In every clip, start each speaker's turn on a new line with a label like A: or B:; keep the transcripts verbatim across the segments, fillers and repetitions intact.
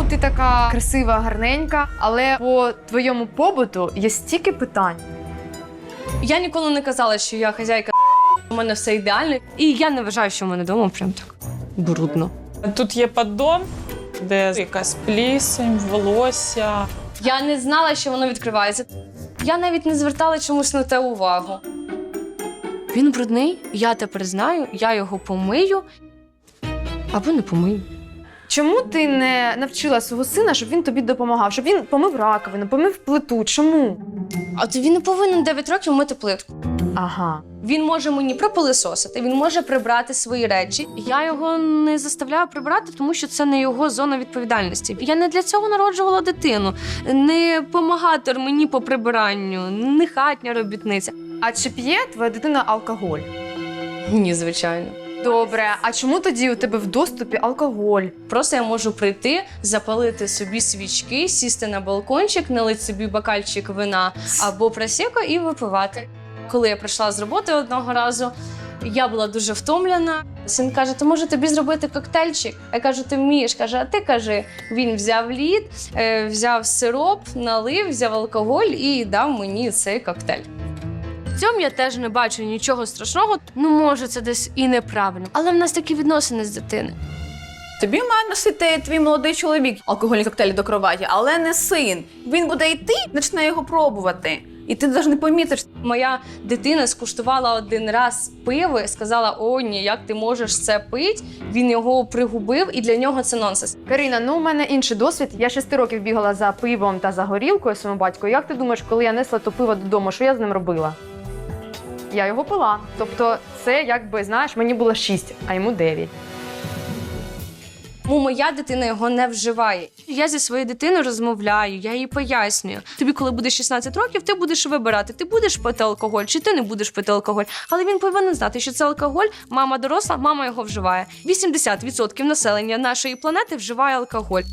A: Ну, ти така красива, гарненька, але по твоєму побуту є стільки питань.
B: Я ніколи не казала, що я хазяйка, у мене все ідеально. І я не вважаю, що в мене вдома прям так брудно.
C: Тут є поддон, де якась плісень, волосся.
B: Я не знала, що воно відкривається. Я навіть не звертала чомусь на те увагу. Він брудний, я тепер знаю, я його помию або не помию.
A: Чому ти не навчила свого сина, щоб він тобі допомагав? Щоб він помив раковину, помив плиту? Чому?
B: А то він не повинен дев'ять років мити плитку.
A: Ага.
B: Він може мені пропилисосити, він може прибрати свої речі. Я його не заставляю прибрати, тому що це не його зона відповідальності. Я не для цього народжувала дитину. Не помагатор мені по прибиранню, не хатня робітниця.
A: А чи п'є твоя дитина алкоголь?
B: Ні, звичайно.
A: Добре, а чому тоді у тебе в доступі алкоголь?
B: Просто я можу прийти, запалити собі свічки, сісти на балкончик, налити собі бокальчик вина або просеко і випивати. Коли я прийшла з роботи одного разу, я була дуже втомлена. Син каже, то може тобі зробити коктейльчик? Я кажу, ти вмієш? Каже, а ти кажи. Він взяв лід, взяв сироп, налив, взяв алкоголь і дав мені цей коктейль. В цьому я теж не бачу нічого страшного. Ну, може, це десь і неправильно. Але в нас такі відносини з дитини.
D: Тобі має носити твій молодий чоловік алкогольні коктейлі до кроваті, але не син. Він буде йти, почне його пробувати. І ти навіть не помітиш.
B: Моя дитина скуштувала один раз пиво і сказала, о, ні, як ти можеш це пити? Він його пригубив, і для нього це нонсенс.
A: Каріна, ну у мене інший досвід. Я шести років бігала за пивом та за горілкою своєму батьку. Як ти думаєш, коли я несла то пиво додому, що я з ним робила? Я його пила. Тобто це, якби, знаєш, мені було шість, а йому дев'ять.
B: Тому моя дитина його не вживає. Я зі своєю дитиною розмовляю, я їй пояснюю. Тобі, коли буде шістнадцять років, ти будеш вибирати, ти будеш пити алкоголь чи ти не будеш пити алкоголь. Але він повинен знати, що це алкоголь, мама доросла, мама його вживає. вісімдесят відсотків населення нашої планети вживає алкоголь.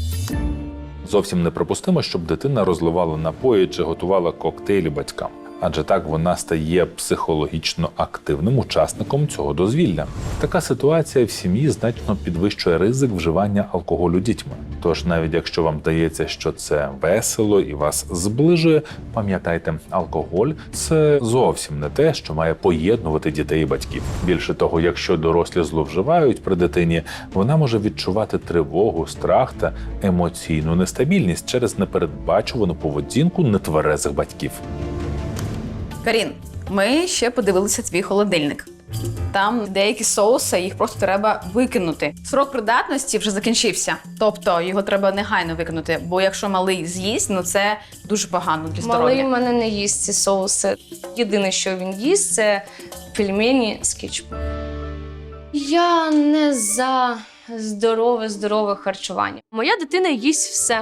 E: Зовсім неприпустимо, щоб дитина розливала напої чи готувала коктейлі батькам. Адже так вона стає психологічно активним учасником цього дозвілля. Така ситуація в сім'ї значно підвищує ризик вживання алкоголю дітьми. Тож навіть якщо вам здається, що це весело і вас зближує, пам'ятайте, алкоголь – це зовсім не те, що має поєднувати дітей і батьків. Більше того, якщо дорослі зловживають при дитині, вона може відчувати тривогу, страх та емоційну нестабільність через непередбачувану поведінку нетверезих батьків.
D: Карін, ми ще подивилися твій холодильник. Там деякі соуси, їх просто треба викинути. Срок придатності вже закінчився. Тобто його треба негайно викинути, бо якщо малий з'їсть, ну це дуже погано для здоров'я.
B: Малий в мене не їсть ці соуси. Єдине, що він їсть, це пельмені з кетчупом. Я не за здорове-здорове харчування. Моя дитина їсть все.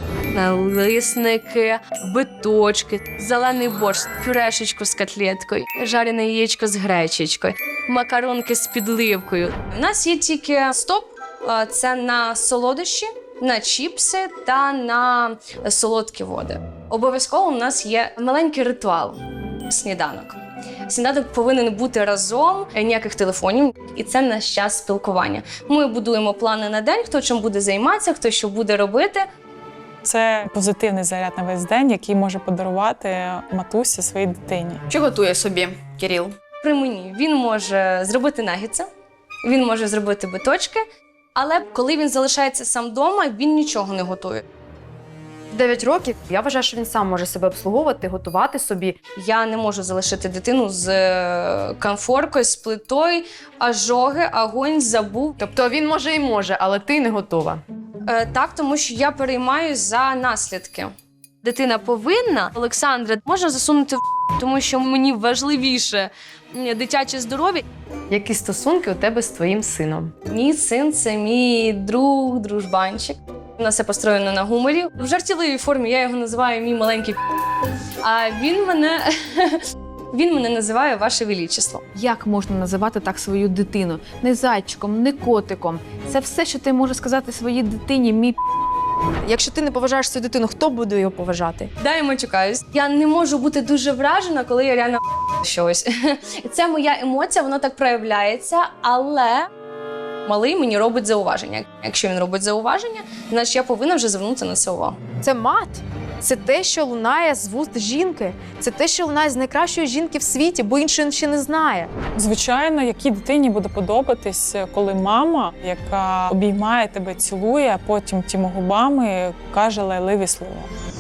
B: Налисники, биточки, зелений борщ, пюрешечку з котлеткою, жарене яєчко з гречечкою, макаронки з підливкою. У нас є тільки стоп, це на солодощі, на чіпси та на солодкі води. Обов'язково у нас є маленький ритуал – сніданок. Сніданок повинен бути разом, ніяких телефонів, і це наш час спілкування. Ми будуємо плани на день, хто чим буде займатися, хто що буде робити.
C: Це позитивний заряд на весь день, який може подарувати матусі своїй дитині.
D: Що готує собі Кирил?
B: При мені він може зробити наггетси, він може зробити биточки, але коли він залишається сам вдома, він нічого не готує.
A: дев'ять років, я вважаю, що він сам може себе обслуговувати, готувати собі.
B: Я не можу залишити дитину з конфоркою, з плитою, ожоги, огонь, забув.
A: Тобто він може і може, але ти не готова.
B: Е, так, тому що я переймаюсь за наслідки. Дитина повинна, Олександра, можна засунути в тому що мені важливіше дитяче здоров'я.
A: Які стосунки у тебе з твоїм сином?
B: Мій син – це мій друг, дружбанчик. У нас все построєно на гуморі. В жартівливій формі я його називаю мій маленький. А він мене, він мене називає Ваше Величество.
F: Як можна називати так свою дитину? Не зайчиком, не котиком. Це все, що ти можеш сказати своїй дитині, мій.
A: Якщо ти не поважаєш свою дитину, хто буде його поважати?
B: Да, я матюкаюсь. Я не можу бути дуже вражена, коли я реально щось. Це моя емоція, воно так проявляється, але малий мені робить зауваження. Якщо він робить зауваження, значить я повинна вже звернути на це увагу.
A: Це мат. Це те, що лунає з вуст жінки. Це те, що лунає з найкращої жінки в світі, бо іншої ще не знає.
C: Звичайно, якій дитині буде подобатись, коли мама, яка обіймає тебе, цілує, а потім тими губами каже лайливі слова.